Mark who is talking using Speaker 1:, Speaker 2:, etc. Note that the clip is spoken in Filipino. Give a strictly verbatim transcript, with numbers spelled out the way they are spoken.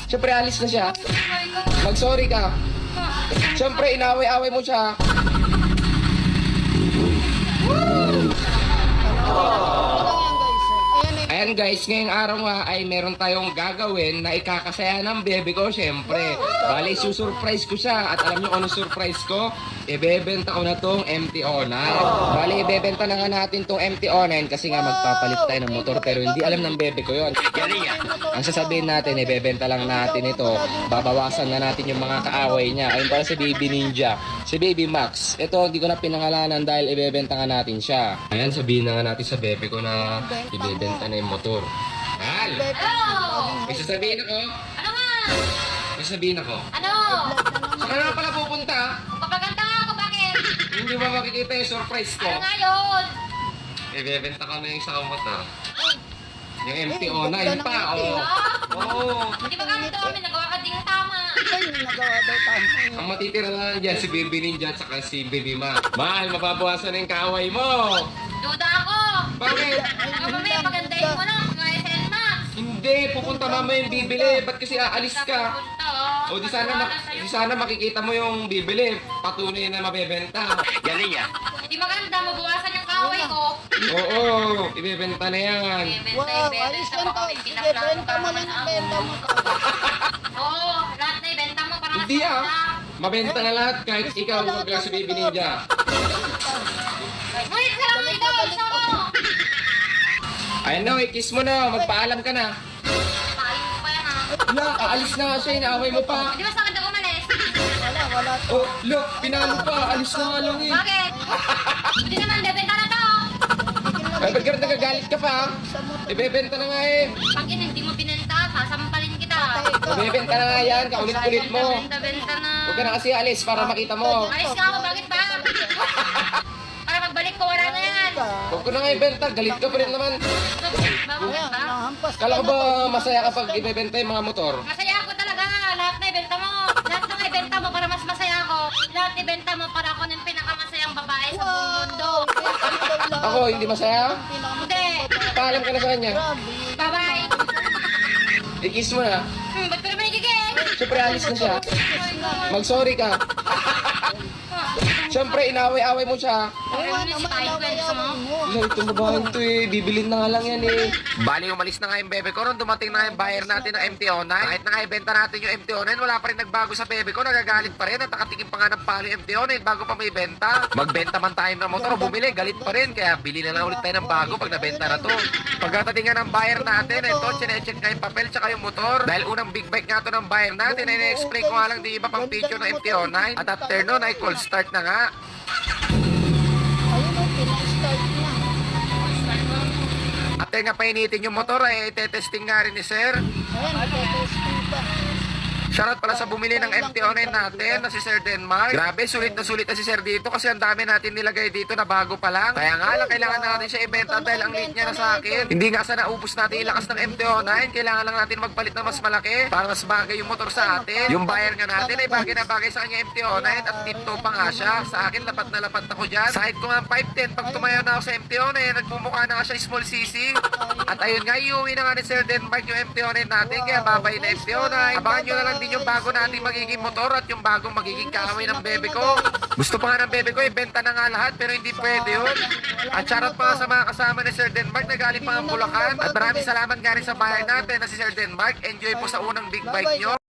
Speaker 1: Siyempre, alis na siya. Mag-sorry ka. Siyempre, inaway-away mo siya. Ayan guys, ngayong araw nga ay meron tayong gagawin na ikakasaya ng bebe ko, syempre. Bali, susurprise ko siya. At alam niyo kung ano surprise ko? Ibebenta ko na tong M T O nine. Bali, ibebenta na nga natin tong M T O nine kasi nga magpapalit tayo ng motor. Pero hindi alam ng bebe ko yon. Ang sasabihin natin, ibebenta lang natin ito. Babawasan na natin yung mga kaaway niya. Ayun pala si Baby Ninja. Si Baby Max. Ito, hindi ko na pinangalanan dahil ibebenta nga natin siya. Ayan, sabihin na nga natin sa bebe ko na ibebenta na yung motor. Hal!
Speaker 2: Ano?
Speaker 1: May sasabihin ako.
Speaker 2: Ano nga?
Speaker 1: May sasabihin ako.
Speaker 2: Ano?
Speaker 1: Saan ka na pala pupunta?
Speaker 2: Papaganda nga ako, bakit?
Speaker 1: Hindi ba makikita yung surprise ko?
Speaker 2: Ano nga yun?
Speaker 1: Ibebenta ko na yung sa motor. Yung M T O nine pa, oh. Oo.
Speaker 2: Hindi ba kami ito? May nagawa ka din ng tama.
Speaker 1: Ang matitira na lang dyan, si Baby Ninja at saka si Baby Ma. Mahal, mababawasan na yung kaaway mo.
Speaker 2: Duda ako.
Speaker 1: Bakit?
Speaker 2: Baka mamaya pagandahin mo lang. Mga S N Max.
Speaker 1: Hindi, pupunta mama yung bibili. Ba't kasi aalis ka?
Speaker 2: Punta, oh.
Speaker 1: O di sana, mak di sana makikita mo yung bibili. Patunay na mabebenta. Galing yan.
Speaker 2: Hindi maganda. Mabawasan yung kaway ko.
Speaker 1: Oo, ibebenta na yan.
Speaker 2: Ibebenta, ibebenta. Baka may pinaplano pa naman ako. Oo, lahat na ibenta mo para mas
Speaker 1: Hindi ah.
Speaker 2: maganda.
Speaker 1: Mabenta na lahat kahit ikaw wag lang si Baby Ninja.
Speaker 2: Wait lang, ikaw, isa mo.
Speaker 1: Ayun na, kiss mo na. Magpaalam ka na.
Speaker 2: Paayos mo pa yan, ha?
Speaker 1: Look, aalis na nga siya. Inaaway mo pa.
Speaker 2: Di ba sa akin daw umalis?
Speaker 1: Oh, look, pinalo pa. Alis na nga lang eh.
Speaker 2: Bakit? Hindi naman, bebenta na to.
Speaker 1: Ay, ba't ka rin nagagalit ka pa? Ibebenta na nga eh.
Speaker 2: Pag yun, hindi mo binenta, sasampalin kita.
Speaker 1: Ibebenta na nga yan. Kaulit-ulit mo.
Speaker 2: Benta-benta na.
Speaker 1: Huwag ka na kasi alis para makita mo.
Speaker 2: Alis nga ako, bakit ba? Para pagbalik ko, wala na yan.
Speaker 1: Huwag ko na nga ibenta. Galit ka pa rin naman.
Speaker 2: Bakit ba?
Speaker 1: Kala ko ba masaya kapag ibebenta yung mga motor?
Speaker 2: Masaya ako talaga. Lahat na ibenta mo. Lahat na ibenta mo para mas masaya ako. Lahat ibenta mo para ako ng pinakamasayang babae sa buong mundo.
Speaker 1: Ako, hindi masaya?
Speaker 2: Hindi.
Speaker 1: Paalam ka na sa kanya.
Speaker 2: Bye-bye.
Speaker 1: I-kiss mo na.
Speaker 2: Hmm, ba't ko naman igigil?
Speaker 1: Siyempre, alis na siya. Mag-sorry ka. Siyempre, inaway-away mo siya.
Speaker 2: Ano si Tayo Gusto mo?
Speaker 1: Wala, itong babaeng to eh. Bibilin na nga lang yan eh. Bali, umalis na nga yung bebe ko. Nung dumating na yung buyer natin ng M T O nine. Kahit na nga ibenta natin yung M T O nine, wala pa rin nagbago sa bebe ko. Nagagalit pa rin. At nakatikim pa nga ng palo yung M T O nine bago pa may benta. Magbenta man tayo ng motor o bumili, galit pa rin. Kaya bili na lang ulit tayo ng bago pag nabenta na to. Pagkatating nga ng buyer natin, ito, chinecheck na yung papel tsaka yung motor. Dahil unang big bike nga to ng buyer natin, ay na-explain ko nga lang di iba pang feature ng M T O nine. At after nun, ay call start na nga. At nga painitin yung motor ay itetesting nga rin ni sir. Shoutout pala sa bumili ng M T O nine natin na si Sir Denmark. Grabe, sulit na sulit na si Sir dito kasi ang dami natin nilagay dito na bago pa lang. Kaya nga lang, kailangan na natin siya ibenta dahil ang late niya na sa akin. Hindi nga sa naubos natin ilakas ng M T O nine, kailangan lang natin magpalit ng mas malaki para mas bagay yung motor sa atin. Yung buyer nga natin ay bagay na bagay sa kanya M T O nine at tipto pa nga siya. Sa akin, lapat na lapat ako dyan. Side ko nga five ten, pag tumayo na ako sa M T O nine, nagmumukha na nga siya small C C. At ayun nga, iuwi na nga ni Sir Denmark yung M T O nine natin, kaya babay na M T O nine. Abangan nyo na lang din yung bago nating magiging motor at yung bagong magiging kaaway ng bebe ko. Gusto pa nga ng bebe ko, ibenta na nga lahat pero hindi pwede yun. At shoutout pa nga sa mga kasama ni Sir Denmark na galing pa ang Bulacan. At maraming salamat nga rin sa bahay natin na si Sir Denmark. Enjoy po sa unang big bike nyo.